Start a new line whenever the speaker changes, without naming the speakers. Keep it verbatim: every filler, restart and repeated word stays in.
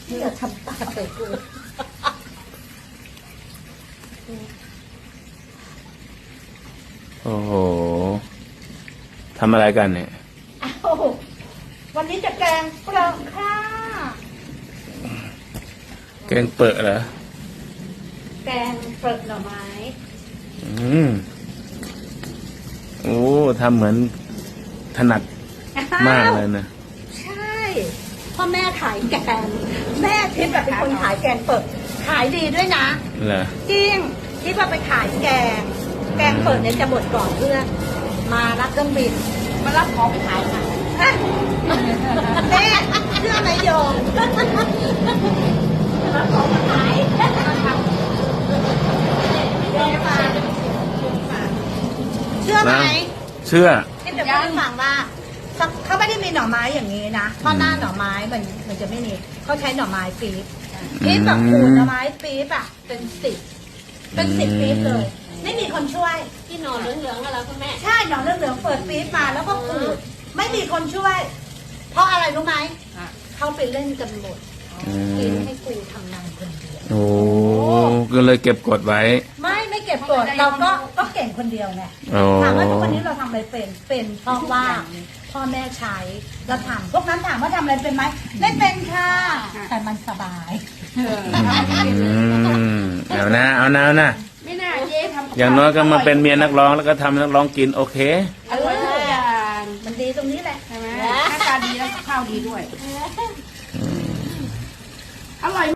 นี่จะทำปากใส่กู
โอ้โหทำอะไรกันเนี่ย
อ้าววันนี้จะแกงเปลือกค่ะ
แกงเปิดเหรอ
แกงเปลือกหน่อไม้
อืมโอ้ทำเหมือนถนัดมากเลยนะ
ใช่พ่อแม่ขายแกงแม่ทิพย์แบบเป็นคนขายแกงเปิดขายดีด้วยนะ
เหรอ
จริงทิพย์ว่าไปขายแกงแกงเปิดเนี่ยจะหมดก่อนเพื่อนมารับเครื่องบินมารับของไปขายค่ะแม่เชื่อไหมโยมรับของมาขายเชื่อไหม
เชื่อ
ที่จะพูดให้ฟังว่าเขาไม่ได้มีหน่อไม้อย่างนี้นะเพราะหน้าหน่อไม้มันมันจะไม่มีเขาใช้หน่อไม้ปี๊บปี๊บแบบขูดหน่อไม้ปี๊บอ่ะเป็นสิบเป็นสิบปี๊บเลยไม่มีคนช่วย
ที่หน่อเหลืองๆอะไรคุณแม่
ใช่หน่อเหลืองๆเปิดปี๊บมาแล้วก็ขูดไม่มีคนช่วย เพราะอะไรรู้ไหมเขาไปเล่นกันหมดกินให้กูทำงานคนเดียว
โอ้ก็เลยเก็บกดไว้
ไม่ไม่เก็บกดเราก็ก็เก่งคนเดียวไงถามว่าทุกวันนี้เราทำอะไรเป็นเป็นเพราะว่าพ่อแม่ใช้เราทำพวกนั้นถามว่าทำอะไรเป็นไหมไม่เป็นค่ะแต่มันสบาย
เอานะเอานะเอานะ
ไม่น่าเจ๊ทำ
อย่างน้อยก็มาเป็นเมียนักร้องแล้วก็ทำนักร้องกินโอเค
อร่อยทุกอย่าง
มันดีตรงนี้แหละ
ใช่ไหมหน้าตาดีแล้วข้าวดีด้วยอร่อย